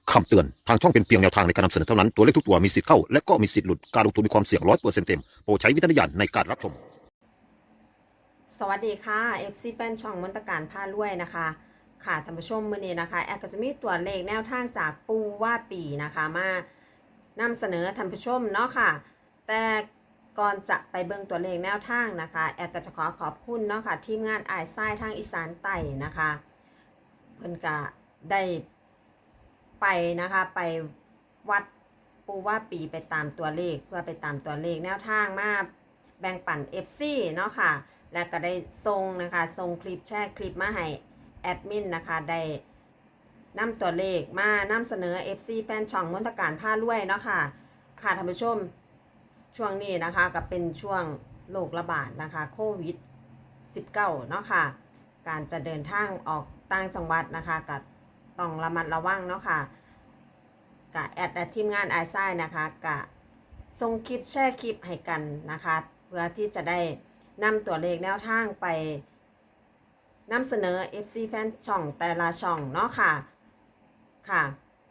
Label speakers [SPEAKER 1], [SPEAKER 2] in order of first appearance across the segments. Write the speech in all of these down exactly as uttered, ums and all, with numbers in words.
[SPEAKER 1] คำเตือนทางช่องเป็นเพียงแนวทางในการนำเสนอเท่านั้นตัวเลขทุกตัวมีสิทธิ์เข้าและก็มีสิทธิ์หลุดการลงทุนมีความเสี่ยงร้อยเปอร์เซ็นต์เต็มโปรดใช้วิจารณญาณในการรับชม
[SPEAKER 2] สวัสดีค่ะ เอฟ ซี แฟนช่องมนตการพารวยนะคะค่ะท่านผู้ชมมื้อนี้นะคะแอดก็จะมีตัวเลขแนวทางจากปูว่าปีนะคะมานำเสนอท่านผู้ชมเนาะค่ะแต่ก่อนจะไปเบิ่งตัวเลขแนวทางนะคะแอดก็จะขอขอบคุณเนาะค่ะทีมงานอ้ายทรายทางอีสานใต้นะคะเพิ่นก็ได้ไปนะคะไปวัดปูว่าปีไปตามตัวเลขเพื่อไปตามตัวเลขแนวทางมาแบ่งปัน เอฟ ซี เนาะค่ะและก็ได้ส่งนะคะส่งคลิปแชร์คลิปมาให้แอดมินนะคะได้นำตัวเลขมานำเสนอ เอฟ ซี แฟนช่องมนตการพารวยเนาะค่ะค่ะท่านผู้ชมช่วงนี้นะคะก็เป็นช่วงโรคระบาดนะคะโควิด สิบเก้า เนาะค่ะการจะเดินทางออกต่างจังหวัดนะคะก็ต้องระมัดระวังเนาะค่ะกะแอดและทีมงานไอซ่ายนะคะกะส่งคลิปแชร์คลิปให้กันนะคะเพื่อที่จะได้นำตัวเลขแนวทางไปนำเสนอ เอฟ ซี แฟนช่องแต่ละช่องเนาะค่ะค่ะ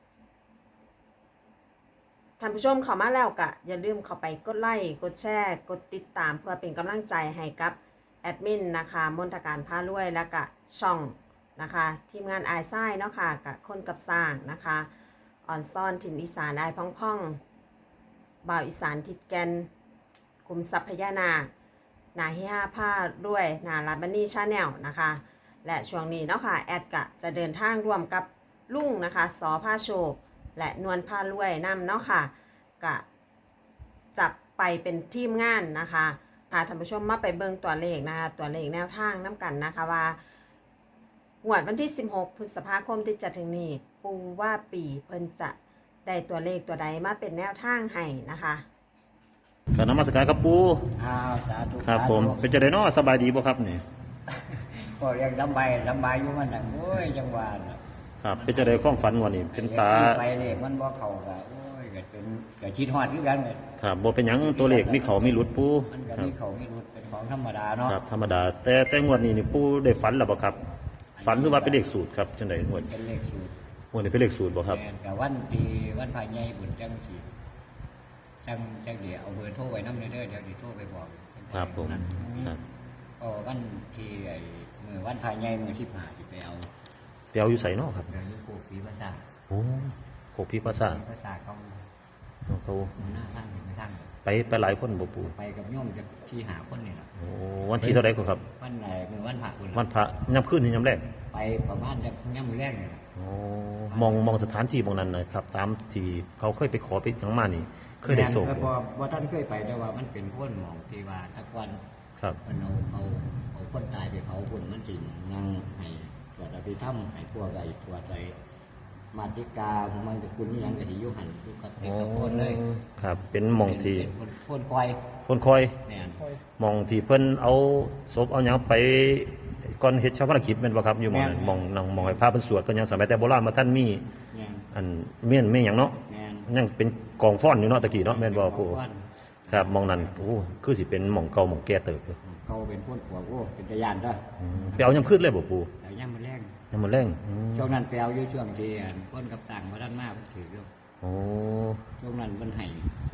[SPEAKER 2] ท่านผู้ชมเข้ามาแล้วก็อย่าลืมเข้าไปกดไลค์กดแชร์กดติดตามเพื่อเป็นกำลังใจให้กับแอดมินนะคะมนตการพารวยและก็ช่องนะคะทีมงานไอซ่ายเนาะค่ะกับคนกับสร้างนะคะอ่อนซ่อนถิ่นอีสานไอพ่องพ่องบ่าวอีสานทิดแกนกลุ่มทรัพยานานาฮิฮาผ้าด้วยนาลาบันนี่ชาแนลนะคะและช่วงนี้เนาะค่ะแอดกะจะเดินทางร่วมกับลุงนะคะสอผ้าโชคและนวลผ้ารวยนำเนาะค่ะกะจับไปเป็นทีมงานนะคะพาท่านผู้ชมมาไปเบิ่งตัวเลขนะคะตัวเลขแนวทางน้ำกันนะคะว่างวดวันที่สิบหกพฤษภาคมที่จะถึงนี้ปูว่าปีเพิ่นจะได้ตัวเลขตัวใดมาเป็นแนวทางให้นะคะ
[SPEAKER 1] การนมัสการครับปู
[SPEAKER 3] อ้าวสาธุ
[SPEAKER 1] ครับผมเป็นจะได้นอสบายดีบ่ครับนี่
[SPEAKER 3] ก็เรียกลำบายลำบายอยู่มันนั่งโอ้ยจังหวะน่ะ
[SPEAKER 1] ครับเป็นจะได้ความฝันวันนี้เป็นตา
[SPEAKER 3] ไปเลยมันบ่เข้าก็โอ้ยก็เป็นก็คิดฮอดคือกันเลย
[SPEAKER 1] ครับบ่เป็นหยังตัวเลขมีเขามีหลุดปู
[SPEAKER 3] มันก็มีเขามีรุดเป็นของธรรมดาเนาะ
[SPEAKER 1] ครับธรรมดาแต่แต่งวดนี้นี่ปูได้ฝันแล้วบ่ครับฝันหรือว่าเป็นเลขสูตรครับจังได๋งวด
[SPEAKER 3] เป็นเลขสูตรง
[SPEAKER 1] วดนี้เป็นเลขสูตรบ่ครับ
[SPEAKER 3] แต่วันที่วันพายใหญ่บุญจังสิจังจังเดี๋ยวเอาเบอร์โทรไว้นำเด้อเดี๋ยวสิโทรไปบอก
[SPEAKER 1] ครับผมครับ
[SPEAKER 3] ก็วันที่ไอ้มื้อวันพายใหญ่มื้อที่ห้าสิไปเอา
[SPEAKER 1] ไปเอาอยู่ไสเนาะครับ
[SPEAKER 3] เดี๋ยวอยู่โคกปีภาษา
[SPEAKER 1] โอ้โคกพีภาษา
[SPEAKER 3] ภาษาเขา
[SPEAKER 1] เขา
[SPEAKER 3] หน้าทางไปทาง
[SPEAKER 1] ไปไปหลายคนบ่ปู
[SPEAKER 3] ไปกับโยมจะที่หาคนนี่แหละ
[SPEAKER 1] โอ้วันที่เท่าไรก็ครับ
[SPEAKER 3] วันไหนคือวันพระคุณ
[SPEAKER 1] วันพระย่ำขึ้นนี่ย่ำแรก
[SPEAKER 3] ไปประมาณจะย่ำแรกเลย
[SPEAKER 1] โอ้มองมองสถานที่มองนั้นนะครับตามที่เขาเคยไปขอไปจังมานี่เคยได้ส่ง
[SPEAKER 3] พอว่าท่านเคยไปแต่ว่ามันเป็นพ้นหมองที่ว่าสักวัน
[SPEAKER 1] ครับ
[SPEAKER 3] มันเอาเอาเอาคนตายไปเผาคนมันจริงนั่งให้ตรวจอภิธรรมให้พวกไอ้ตรวจไอ้มาติกาของมันจะคุณยังกะทิยุหันทุกข์เป็นคนเลย
[SPEAKER 1] ครับเป็นมองที่
[SPEAKER 3] พ้นคอย
[SPEAKER 1] พ้นคอยมองที่เพิ่นเอาศพเอาหยังไปก่อนเฮ็ดชาวพนักกิจแม่นบ่ครับอยู่หม่องนั้นมองนั่งมองให้พระเพิ่นสวดเพิ่นยังสมัยแต่โบราณมาท่านมีอันเมียนเมียนหยังเนาะยังเป็นกองฟ้อนอยู่เนาะตะกี้เนาะแม่นบ่ปู่ครับมองนั้นโอ้คือสิเป็นหม่องเก่าหม่องแก่เติบอยู่
[SPEAKER 3] เก่าเป็นพ้นปวกโอ้เป็นตะยานเด้อ
[SPEAKER 1] ไปเอายามขึ้นเลยบ่ปู่
[SPEAKER 3] เอายามมื้อแรง
[SPEAKER 1] ยามมื้อแรง
[SPEAKER 3] ช่วงนั้นไปเอาอยู่ช่วงที่พ้นกับต่างบ่ทันมาเพิ่นถืออยู่
[SPEAKER 1] โอ้
[SPEAKER 3] ช่วงนั้นเพิ่นให้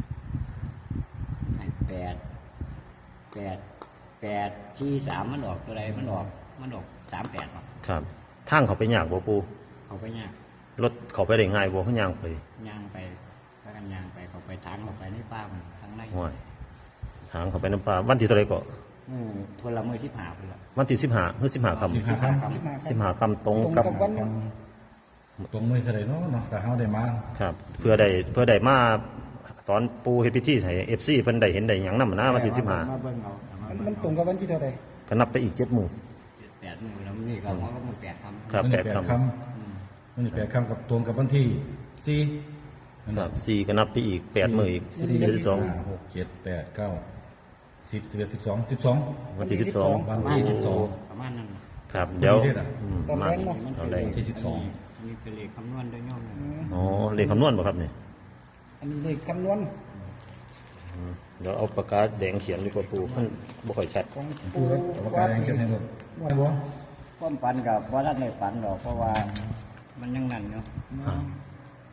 [SPEAKER 3] ให้แปดแปดแปดที่สามมันออกตัวใดมันออกมันออกสามแปด
[SPEAKER 1] ครับทางเขาไปยากบ่ปู่
[SPEAKER 3] เขาไปยาก
[SPEAKER 1] รถเขาไปได้ง่ายบ่เขาย่างไป
[SPEAKER 3] ย่างไปพากันย่างไปเขาไปทางเขาไปในป่ามันทางใน
[SPEAKER 1] ห้วยทางเขาไปในป่าวันที่เท่าไรก็
[SPEAKER 3] อืมพลเมืองที่ผ่าพุ่นล่ะ
[SPEAKER 1] วันที่สิบห้าคือสิบห้าค่ำ
[SPEAKER 3] สิบห้าค่ำ
[SPEAKER 1] สิบห้าค่ำตรงกับ
[SPEAKER 4] ตรงมือเท่าไรเนาะเนาะแต่เฮาได้มา
[SPEAKER 1] ครับเพื่อได้เพื่อได้มาตอนปูเฮ็ดพิธีให้ เอฟ ซี เพิ่นได้เห็นได้หยังนำนะวันที่สิบห้า
[SPEAKER 4] มันตรงกับวันที่เท่าไร
[SPEAKER 1] ก็นับไปอีกเจ็ดมื้อ
[SPEAKER 3] แปดมื้อแล้วนี่ก็ว่ามันแปดค่ำ
[SPEAKER 1] ครับแปดค่ำ
[SPEAKER 4] มันนี่แปดค่ำกับตรงกับวันที่สี่
[SPEAKER 1] ครับสี่ก็นับไปอีกแปดมื้ออีก
[SPEAKER 4] สี่ สอง หก เจ็ด แปด เก้า สิบ สิบเอ็ด สิบสอง สิบสอง
[SPEAKER 1] วันที่สิบสอง
[SPEAKER 4] วันที่สิบสอง
[SPEAKER 3] ประมาณนั้น
[SPEAKER 1] ครับเดี๋ยวมา
[SPEAKER 4] ตอนแรกที่สิบสอง
[SPEAKER 3] มีเป็นเลขคำนวณด้วยโยม
[SPEAKER 1] อ๋อเลขคำนวณบ่ครับนี่
[SPEAKER 4] อันนี้เลขคำนวณ
[SPEAKER 1] เดี๋ยวเอาปากกาแดงเขียนดีกว่าปูมันบ่ค่อยชัด
[SPEAKER 4] ปูปากกาแดงเขียนให้ดูว่าบ่
[SPEAKER 3] ความฝันกับว่าท่านในฝันหรอกเพราะว่ามันยังนั่นเนาะ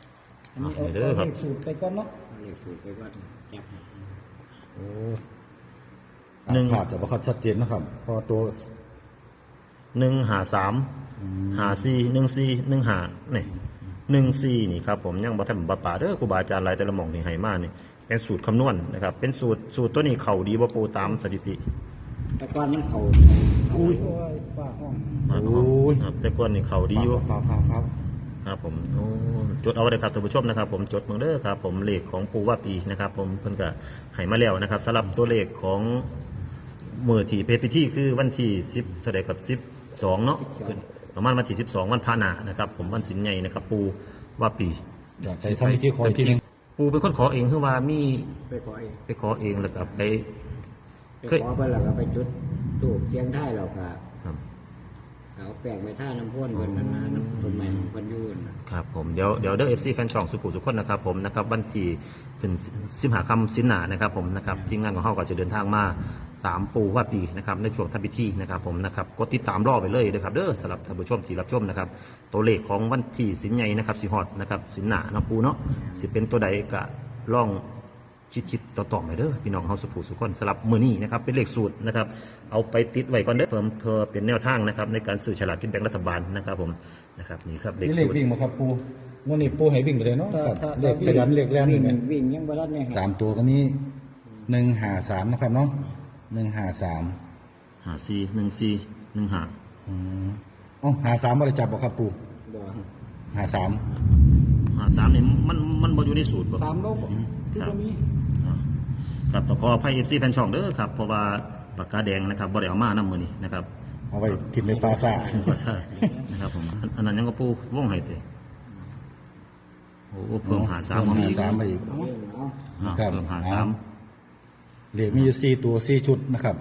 [SPEAKER 5] อันนี้เอา
[SPEAKER 1] เด้อครับ
[SPEAKER 5] เลขสูตรไปก่อนเนาะ
[SPEAKER 3] เลขสูตรไปว่าจับให้
[SPEAKER 4] โอ้
[SPEAKER 1] หนึ่ง
[SPEAKER 4] ภาพแต่ว่าเขาชัดเจนนะครับเพอตัว
[SPEAKER 1] หนึ่งหาสามหาสี่หนึ่งสี่หนึ่งหานี่หนึ่งสี่นี่ครับผมยังบ่ทันบ่ป่าเด้อครูบาอาจารย์หลายแต่ละหม่องที่ให้มานี่เป็นสูตรคำนวณนะครับเป็นสูตรสูตรตัวนี้เข้าดีบ่ปูตามสถิติ
[SPEAKER 3] แต่ก่อนมันเขา
[SPEAKER 5] อุ้ยฝ้าห้อง
[SPEAKER 4] โอ้ย
[SPEAKER 1] ครับแต่ก่อนนี่เข้าดีอยู่
[SPEAKER 4] ฟ้าฟ้าฟ้า
[SPEAKER 1] ครับผมโอ้จดเอาไว้เลยครับท่านผู้ชมนะครับ ผมจดมือเด้อครับผมเลขของปูว่าปีนะครับ ผมเพิ่นก็ให้มาแล้วนะครับสำหรับตัวเลขของมือที่เพชรพิธีคือวันที่สิบเท่าใดกับสิบสองเนาะขึ้นประมาณวันที่สิบสองวันพาหนานะครับ ผมวันสินใหญ่นะครับ ปูว่าปี
[SPEAKER 4] อยากไปทำพิธีขออีกทีหนึง
[SPEAKER 1] ปูเป็นคนขอเองคือว่ามี
[SPEAKER 3] ไปขอเอง
[SPEAKER 1] ไปขอเองแล้วก็ไป
[SPEAKER 3] ไป
[SPEAKER 1] เคย
[SPEAKER 3] ขอไปแล้วก็ไปจุดตูบเชียงท้ายเราก็
[SPEAKER 1] ครับ
[SPEAKER 3] เอาแป้งไปท่าน้ำพ่นเพิ่นนั่นนะน้ำต้นไม้ของเพิ่นอยุ่นน่ะ
[SPEAKER 1] ครับผมเดี๋ยวเดี๋ยวเด้อเอฟซีแฟนช่องสุขุสุขคนนะครับผมนะครับวันที่ขึ้นสิมหาคำสินหนานะครับผมนะครับทีมงานของเขาก็จะเดินทางมาตามปูว่าปีนะครับในช่วงทำพิธีนะครับผมนะครับกดติดตามรอไปเลยนะครับเด้อสำหรับท่านผู้ชมที่รับชมนะครับตัวเลขของวันที่สินใหญ่นะครับสิฮอดนะครับสินหนาเนาะปูเนาะสิเป็นตัวใดก็ล่องชิดๆต่อๆไปเด้อพี่น้องเฮาสุขุสุขคนสำหรับมื้อนี้นะครับเป็นเลขสูตรนะครับเอาไปติดไว้ก่อนเด้อเพิ่มเพื่อเป็นแนวทางนะครับในการซื้อฉลากกินแบ่งรัฐบาลนะครับผมนะครับนี่ครับเลข
[SPEAKER 4] นี่เลข
[SPEAKER 1] สูตร
[SPEAKER 4] วิ่งมาครับปูวันนี้ปูให้วิ่งไปเลยเนาะ
[SPEAKER 5] ถ้า
[SPEAKER 4] ครับ
[SPEAKER 5] ถ้า
[SPEAKER 4] เลขขยันเลขแรง
[SPEAKER 3] วิ่
[SPEAKER 4] นี่
[SPEAKER 3] ง
[SPEAKER 4] แหละ
[SPEAKER 3] วิ่งยังบ่ทันได้ให้
[SPEAKER 4] สามตัวก็มีหนึ่งหาสามนะครับเนาะหนึ่งหาสาม
[SPEAKER 1] หาซีหนึ่งซีหนึ่งหา
[SPEAKER 4] อืมเอ้าหาสามบริจับบ่ครับปู
[SPEAKER 3] บ่
[SPEAKER 4] หาสาม
[SPEAKER 1] หาสามนี่มันมันบ่อยู่ในสูตรบ่
[SPEAKER 5] สามโลกคือบ่มี
[SPEAKER 1] อ่าครับต้องขออภัย เอฟ ซี แฟนช่องเด้อครับเพราะว่าปากกาแดงนะครับบ่ได้เอามานำมื้อนี้นะครับ
[SPEAKER 4] เอาไว้กินในปลาซ่า
[SPEAKER 1] ก็ใช่นะครับผมอันอันนั้นยังก็ปูวงให้เตโอ้เพิ่มหาสาม
[SPEAKER 4] เพิ่
[SPEAKER 1] มาม
[SPEAKER 4] หา
[SPEAKER 1] อีก
[SPEAKER 4] สามไปอีก
[SPEAKER 3] เอาเองเอา
[SPEAKER 1] อ่า
[SPEAKER 4] ครับ
[SPEAKER 1] เพิ่มหาสาม
[SPEAKER 4] เลขมีอยู่สี่ตัวสี่ชุดนะครับ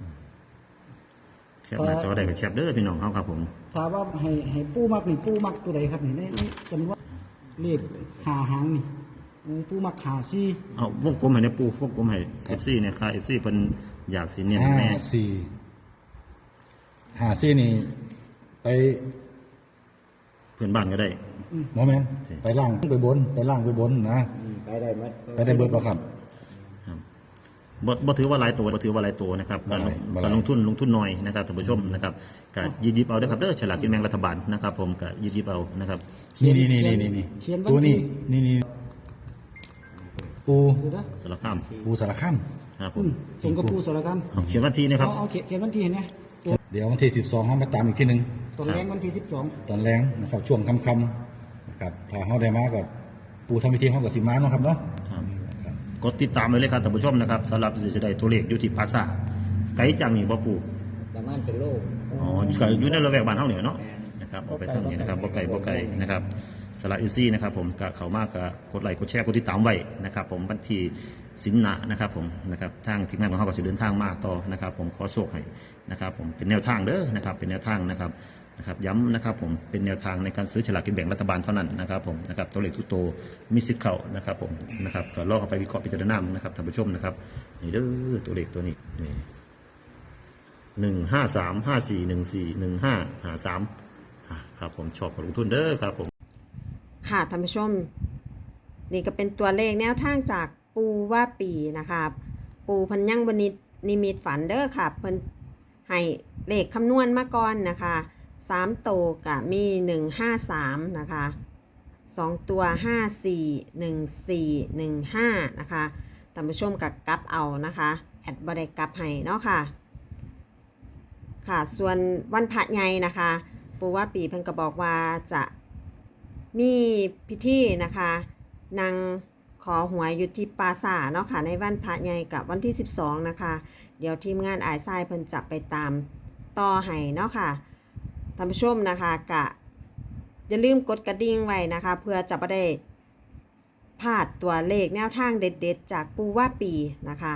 [SPEAKER 1] แคปหน้าจอได้ก็แคปเด้อพี่น้องเฮาครับผม
[SPEAKER 5] ถามว่าให้ให้ปูมักนี่ปูมักตัวใดครับนี่ในในจำนวนเลขหาหางนี่ปูปูมักหาซี่
[SPEAKER 1] เอาวงกลมให้ในปูวงกลมให้ เอฟ ซี เนี่ยค่ะ เอฟ ซี เพิ่นอยากสิเน้น
[SPEAKER 4] ห้า
[SPEAKER 1] แน่
[SPEAKER 4] สี่ห้าสี่นี่ไป
[SPEAKER 1] เพื่อนบ้านก็ได้
[SPEAKER 4] โมเมนต์ไปล่างไปบน ไปล่างไปบนนะ
[SPEAKER 3] อืมไปได้หมด
[SPEAKER 4] ไปได้เบิดป่ะครับ
[SPEAKER 1] บ่บ่ถือว่าหลายตัวบ่ถือว่าหลายตัวนะครับการลง
[SPEAKER 4] บ่หลาย
[SPEAKER 1] การลงทุนลงทุนน้อยนะครับท่านผู้ชมนะครับก็หยิบหยิบเอาเด้อครับเด้อฉลากกินแบ่งรัฐบาลนะครับผมก็หยิบหยิบเอานะครับ
[SPEAKER 4] นี่นี่นี่นี่นี่
[SPEAKER 5] เขียนวัน
[SPEAKER 4] ตัวนี้
[SPEAKER 5] ที่
[SPEAKER 4] นี่นี่ปู
[SPEAKER 5] ดูนะ
[SPEAKER 1] สารคาม
[SPEAKER 4] ปูสารคาม
[SPEAKER 1] ครับผ
[SPEAKER 5] อื
[SPEAKER 1] ม
[SPEAKER 5] มตรงกับปูสารคาม
[SPEAKER 1] เอาเขียนวันที่นะครับ
[SPEAKER 5] เอาเอาเขียนเขียนวันที่เห็นไหมตัว
[SPEAKER 4] เดี๋ยววันที่สิบสองเขามาตามอีกทีหนึ่ง
[SPEAKER 5] ตอนแรงวันที่สิบสอง
[SPEAKER 4] ตอนแรงนะครับช่วงค่ำๆนะครับถ้าเขาได้มากับปูทำพิธีเขากับสิมาเนาะครับเนาะ
[SPEAKER 1] ครับกดติดตามไว้เลยครับท่านผู้ชมนะครับสำหรับสิจะได้ตัวเลขอยู่ที่ภาษาไกลจังนี่บ่ปู่
[SPEAKER 3] ประมาณเป็นโลก
[SPEAKER 1] อ๋อก็อยู่ในระแวกบ้านเฮาเนี่ยเนาะนะครับเอาไปทางนี้นะครับบ่ไกลบ่ไกลนะครับสละอีซี่นะครับผมก็เข้ามากก็กดไลค์กดแชร์กดติดตามไว้นะครับ ผมวันที่สินหนานะครับผมนะครับทางทีมงานของเฮาก็สิเดินทางมาต่อนะครับ ผมขอโชคให้นะครับผมเป็นแนวทางเด้อนะครับเป็นแนวทางนะครับนะครับย้ำนะครับผมเป็นแนวทางในการซื้อฉลากกินแบ่งรัฐบาลเท่านั้นนะครับผมนะครับตัวเลขทุกตัวมีสิทธิ์เข้านะครับผมนะครับก็ลองเอาไปวิเคราะห์พิจารณานะครับท่านผู้ชมนะครับนี่เด้อตัวเลขตัวนี้นี่หนึ่งห้าสามห้าสี่หนึ่งสี่หนึ่งห้าหาสามอ่ะครับผมชอบกับลงทุนเด้อครับผม
[SPEAKER 2] ค่ะท่านผู้ชม นี่ก็เป็นตัวเลขแนวทางจากปูว่าปีนะคะปูเพันยังบนิตนิมิตฝันเด้อค่ะเพิ่นให้เลขคำนวณมาก่อนนะคะสามโตวกะมีหนึ่งห้าสามนะคะสองตัวห้าสี่หนึ่งสี่หนึ่งห้านะคะท่านผู้ชมกับกลับเอานะคะแอดบริกลับให้เนาะค่ะค่ะส่วนวันพระใหญ่นะคะปูว่าปีเพิ่นก็บอกว่าจะมีพิธีนะคะนางขอหวยอยู่ที่ปราสาทเนาะค่ะในวันพระใหญ่กับวันที่สิบสองนะคะเดี๋ยวทีมงานอายทรายเพิ่นจะไปตามต่อให้เนาะค่ะท่านผู้ชมนะคะกะอย่าลืมกดกระดิ่งไว้นะคะเพื่อจะไม่ได้พลาดตัวเลขแนวทางเด็ดๆจากปูว่าปีนะคะ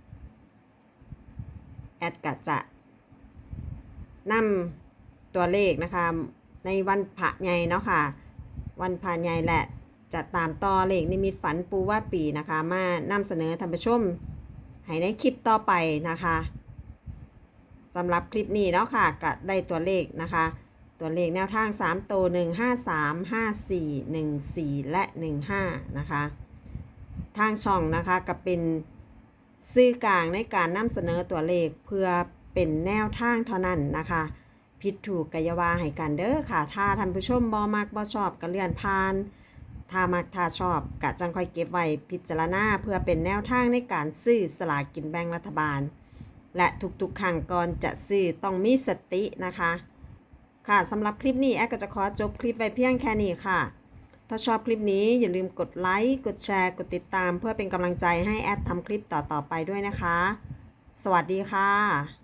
[SPEAKER 2] แอดกะจะนำตัวเลขนะคะในวันพระใหญ่เนาะค่ะวันพระใหญ่แหละจะตามต่อเลขนิมิตฝันปูว่าปีนะคะมานำเสนอท่านผู้ชมให้ในคลิปต่อไปนะคะสำหรับคลิปนี้เนาะค่ะก็ได้ตัวเลขนะคะ ตตัวเลขแนวทางสามตัวหนึ่ง ห้า สาม ห้า สี่ หนึ่ง สี่ และ หนึ่ง ห้า นะคะทางช่องนะคะก็เป็นสื่อกลางในการนำเสนอตัวเลขเพื่อเป็นแนวทางเท่านั้นนะคะผิดถูกกะอยาวาให้กันเด้อค่ะถ้าท่านผู้ชมบ่มักบ่ชอบก็เลื่อนผ่านถ้ามักถ้าชอบกะจังค่อยเก็บไว้พิจารณาเพื่อเป็นแนวทางในการซื้อสลากกินแบ่งรัฐบาลและทุกๆครั้งก่อนจะซื้อต้องมีสตินะคะค่ะสำหรับคลิปนี้แอดก็จะขอจบคลิปไว้เพียงแค่นี้ค่ะถ้าชอบคลิปนี้อย่าลืมกดไลค์กดแชร์กดติดตามเพื่อเป็นกำลังใจให้แอดทำคลิปต่อๆไปด้วยนะคะสวัสดีค่ะ